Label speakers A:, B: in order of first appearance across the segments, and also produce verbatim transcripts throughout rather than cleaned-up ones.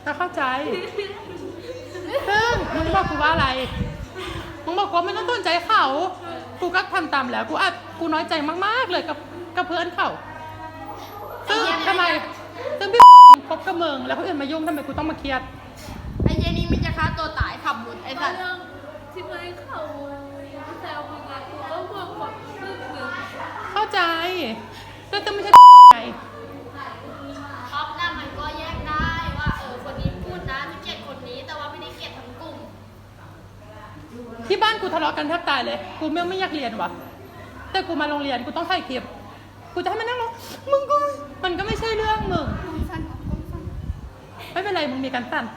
A: ถ้าเข้าใจซึ่งมึงบอกกูว่าอะไรมึงบอกว่าไม่ต้องต้นใจเขากูก็ทำตามแล้วกูอ่ะกูน้อยใจมากๆเลยกับกับเพื่อนเขาซึ่งทำไมซึ่งพี่คบกับมึงแล้วคนอื่นมายุ่งทำไมกูต้องมาเครียด
B: ไอ้เจนี่มันจะฆ่าตัวตายขับรถไอ้สัตว์
C: ที่ไม่เขาแซวมึงอะกูก็เบื่อความรู้สึกมึง
A: เข้าใจแต่จะไม่ใช่ไง
B: ท็อปน่ะมันก็แยกได้ว่าเออคนนี้พูดนะจะเกลียดคนนี้แต่ว่าไม่ได้เกลียดทั้งกลุ่ม
A: ที่บ้านกูทะเลาะกันแทบตายเลยกูไม่ไม่อยากเรียนวะแต่กูมาโรงเรียนกูต้องถ่ายคลิปกูจะให้มันนั่งรอมึงก็มันก็ไม่ใช่เรื่องมึงไม่เป็นไรมึงมีการสั่น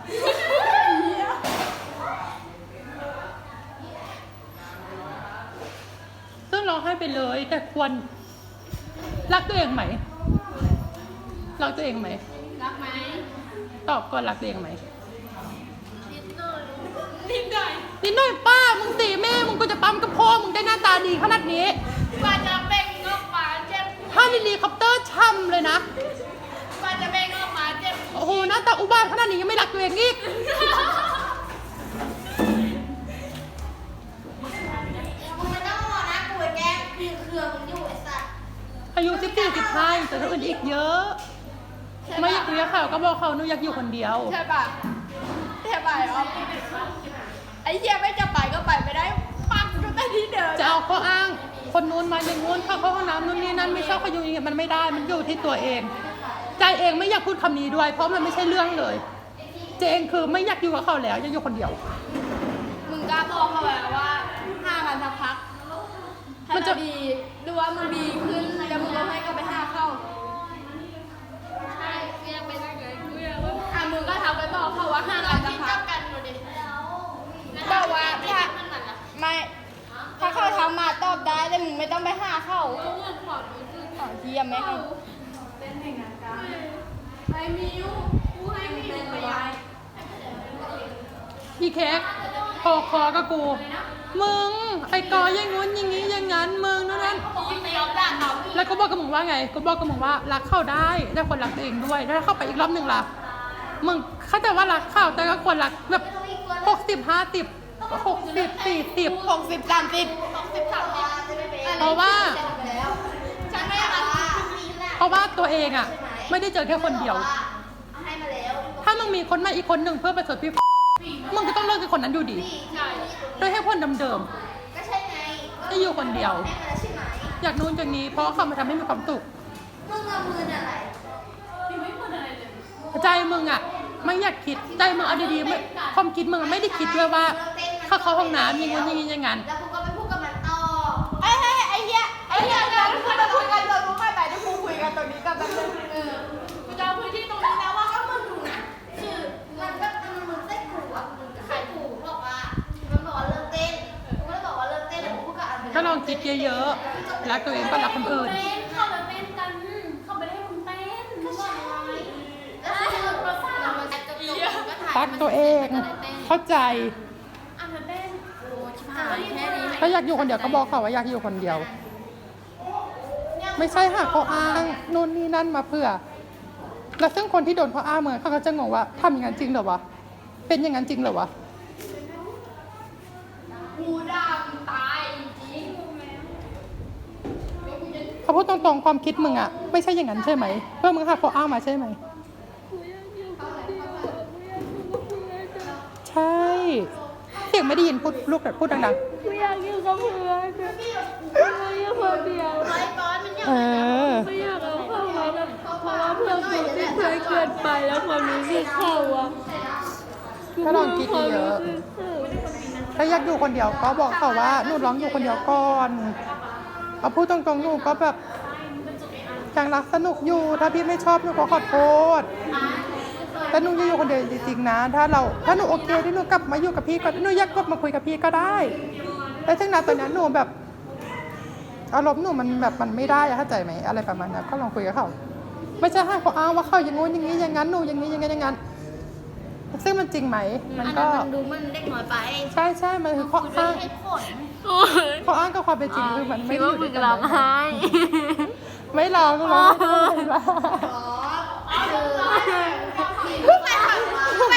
A: ซึ่งร้องไห้ไปเลยแต่ควรรักตัวเองไหมรักตัวเองไหม
B: รักไหม
A: ตอบก่อนรักตัวเองไหม
B: นิดหน่อยนิดหน่อย
A: นิดหน่อยป้ามึงตีแม่มึงก็จะปั๊มกับพ่อมึงได้หน้าตาดีขนาดนี้
B: กว่าจะเบ่งออกมาเจ็บ
A: ถ้ามีเฮลิคอปเตอร์ช่ำเลยนะ
B: กว่าจะเบ่งออกมาเจ็บ
A: โอ้โหหน้าตาอุบาทขนาดนี้ยังไม่รักตัวเองอีก
B: มึงไม่ต้องรอนะกูแกคือเครือมึงอยู่ไอ้สัตว์
A: อายุสิบสี่สิบห้าแต่คนอื่นอีกเยอะไม่อยากเลี้ยงเขาก็บอกเขาหนูอยากอยู่คนเดียว
B: ใช่ป่ะใช่ป่ะอ๋อไอ้เหี้ยไม่จะไปก็ไปไม่ได้ปักอยู่แต่ที่เดิม
A: จะเอาข้ออ้างคนนู้นมาอย่างงู้นเข้าเข้าห้องน้ำนู่นนี่นั่นไม่ชอบเขาอยู่อย่างเงี้ยมันไม่ได้มันอยู่ที่ตัวเองใจเองไม่อยากพูดคำนี้ด้วยเพราะมันไม่ใช่เรื่องเลยเจเองคือไม่อยากอยู่กับเขาแล้วอยากอยู่คนเดียว
B: มึงกล้าบอกเขาแล้วว่าห้ากันสักพักถ้าจะดีหรือว่ามึงดีขึ้นแล้วมึงก็ให้ก็ไปห้าเข้าใช่กูอยากไปนั่งเลยกูอยากว่าอ่ะมึงก็ทำไปบอกเขาว่าห้ากันสักพักบอกว่าถ้าไม่ถ้าเขาทำมาตอบได้แต่มึงไม่ต้องไปห้าเข้า
C: เบื่อความรู้สึก
B: ต่อเทียมไหมให้
C: เป็นแห่งงานการไอ้มิวกูให้มิวไปย้าย
A: อีเค้กพอคอกับกูมึงไอ้กออย่างงู้นอย่างงี้อย่างงั้นมึงนั่นนั่น
B: ไม่ยอมด่าเขา
A: แล้วก็บอกกับมึงว่าไงก็บอกกับมึงว่ารักเข้าได้ได้คนรักตัวเองด้วยแล้วถ้าเข้าไปอีกรอบหนึ่งล่ะมึงเข้าใจว่ารักเข้าแต่ก็ควรรักแบบหกสิบห้าสิบหกสิบสี่สิบ
B: หกสิบสามสิบหกสิบสามสิบ
A: เพราะว่า
B: ฉันไม่รัก
A: เพราะว่าตัวเองอ่ะไม่ได้เจอแค่คนเดียว
B: ให้มาแล้ว
A: ถ้ามึงมีคนใหม่อีกคนหนึ่งเพื่อประสบพี่มึงก็ต้องเลิกกับคนนั้นอยู่ดี
B: ใช่
A: โดยให้คนเดิม
B: ก็ใช่ไง
A: ๆจะอยู่คนเดียว
B: ให้มาแล้วใช่ไหม
A: อยากนู้นอย่างนี้เพราะเขามาทำให้มีความสุข
B: มึงเอามืออะไร
C: มิวไม่พูดอะไรเลย
A: ใจมึงอ่ะไม่อยากคิดใจมึงเอาดีๆไม่ความคิดมึงไม่ได้คิดด้วยว่าเขาเข้าห้องน้ำอย่างงี้อย่างงี้อย่างงั้น
B: แล้วกูก็ไปพูดกับมันต่อไอ้ไอ้ไอ้เหี้ยไอ้เหี้ยเดี๋ยวกูจะคุยกันตรงนู้นไม่ไปเดี๋ยวกูคุยกันตรงนี้กับมันเลยเออกูจะเอาพื้นที่ตรงนี้แล้วว่าก็มึงดูนะคือมันก็มันมึงเต้นกูอ่ะมึงกับใครกูบอกว่ามันบอกว่าเลิกเต้นกูก็เลยบอกว่าเลิกเต้นแล้วกูพูดกับอัน
A: ก็ลองคิดเยอะๆรักตัวเองก็รักคนอื่น
C: เต้นเข้าไปเต้นกันเข้าไปให้มึงเต้น
B: ก็ใช่แล้วคือประสาทมันจะจบก็ถ่าย
A: รักตัวเองเข้าใจ
C: อ่ะเธอเต้น
B: โอ้ชิบหายแค่นี้
A: ถ้าอยากอยู่คนเดียวก็บอกเขาว่าอยากอยู่คนเดียว ไม่ใช่หาข้ออ้างนู่นนี่นั่นมาเพื่อ แล้วซึ่งคนที่โดนข้ออ้างเหมือนเขาก็จะงงว่าทำอย่างนั้นจริงเหรอวะเป็นอย่างนั้นจริงเหรอวะ
B: กูดำตายจริง
A: เขาพูดตรงๆความคิดมึงอะไม่ใช่อย่างนั้นใช่ไหมเพื่อมึงหาข้ออ้างมาใช่ไหม
C: กูอยากอยู่คนเดียวกูอยากอยู่กับเพื่อนอะ
A: ใช่เสียงไม่ได้ยินพูดลูกแต่พูดดัง
C: กูอยากอยู่กับเพื่อนอะกูอยากอยู่คนเดียว
B: ไอ้บอสมันยัง
A: ๆเออ
C: ไม่อยากเอาเข้ามาแบบเพราะว่าเพื่อนกูที่เคยเกินไปแล้วความรู้สึกเขาอะ
A: ก็ลองคิดเยอะถ้าอยากอยู่คนเดียวก็บอกเขาว่าหนูร้องอยู่คนเดียวก่อนเอาพูดตรงๆหนูก็แบบยังรักสนุกอยู่ถ้าพี่ไม่ชอบหนูก็ขอโทษแต่หนูจะอยู่คนเดียวจริงๆนะถ้าเราถ้าหนูโอเคที่หนูกลับมาอยู่กับพี่ก็หนูอยากกลับมาคุยกับพี่ก็ได้แต่ถึงนั้นตอนนั้นหนูแบบอารมณ์หนูมันแบบมันไม่ได้อะเข้าใจไหมอะไรประมาณนั้นก็ลองคุยกับเขาไม่ใช่ให้เขาอ้างว่าเขาอย่างงู้นอย่างนี้อย่างนั้นหนูอย่างนี้อย่างนั้นอย่างนั้นซึ่งมันจริงไหมมันก็
B: มันดูมันเด็กน้อยไป
A: ใช่ใช่มันคือข้ออ้าง
B: ให้ผล
A: ข้ออ้างกับความเป็นจริงคือมันไม่
C: คิด
A: ได้อ
C: ว่า
A: ยู่
C: มึ
A: ด้วย
C: ง
A: กัน
C: ร้องไห้
A: ไม่ร้องร้องไม่ร้อง
B: อ๋อคือไปถามว่า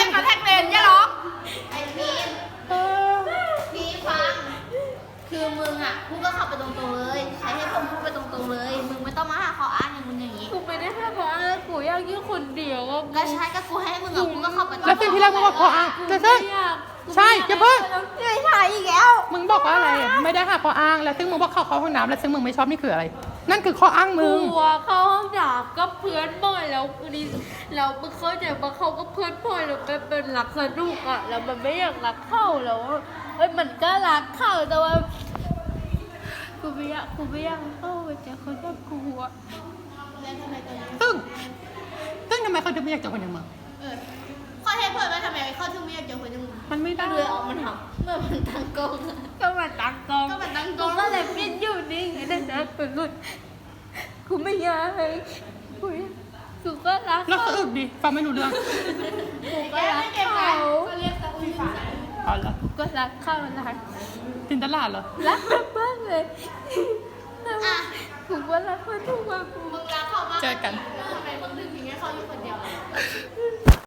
B: ใช่ก็กูให้มึงอ่ะกูก็เข้าไป
A: แล้วซึ่งที่แรกมึงบอกข้ออ้างแต่ซึ่งใช่อย่าเพิ่ง
B: ไม่ใช่อีกแล้ว
A: มึงบอกว่าอะไรไม่ได้หาข้ออ้างแล้วซึ่งมึงบอกเข้าเข้าห้องน้ำแล้วซึ่งมึงไม่ชอบนี่คืออะไร นั่นคือข้ออ้างมึง
C: กลัวเข้าห้องน้ำก็เพื่อนบ่อยแล้วคือดีแล้วมึงเข้าใจว่าเขาก็เพื่อนบ่อยแล้วมันเป็นรักสนุกอ่ะแล้วมันไม่อยากรักเข้าแล้วเอ้ยมันก็รักเข้าแต่ว่ากูไม่อยากกูไม่อยากเข้าไปเจอคนแบบกูอ่ะ
B: แล้วทำไมตอนนี้
A: ซึ่งซึ่งทำไมเขาถึงไม่อยากเจอคนอย่างมึง
B: เออข้อเท็จเปิดว่าทำไมเขาถึงไม่อยากเจอคนอย่างมึง
A: มันไม่ได้
B: เลยออกมันทำเมื่อมันตั้งกล้อง
C: ก็มาตั้งกอง
B: ก็มันตั้งกล้
C: กู
B: อง
C: ก็เลยปิ้นอยู่นิ่งไอ้นั่นนะกูหลุดกูไม่อยากให้กูกูก็รัก
A: แล้ว
C: เขา
A: สะอึกดิฟังไม่รู้เรื่อง
C: กูก็รักเขา
B: ก็เรียกตะอุ้ยฝา
A: อ๋อเหรอ
C: กูก็รักเขารัก
A: จินตลาดเหรอ
C: รักแบบบ้านเลย
B: อ่ะ
C: กูก็รักเขาทุกวันกู
B: มึงรักเขามาก
A: เจอกัน
B: แล้วทำไมมึงถึงทิ้งให้เขาอยู่คนเดียวล่ะ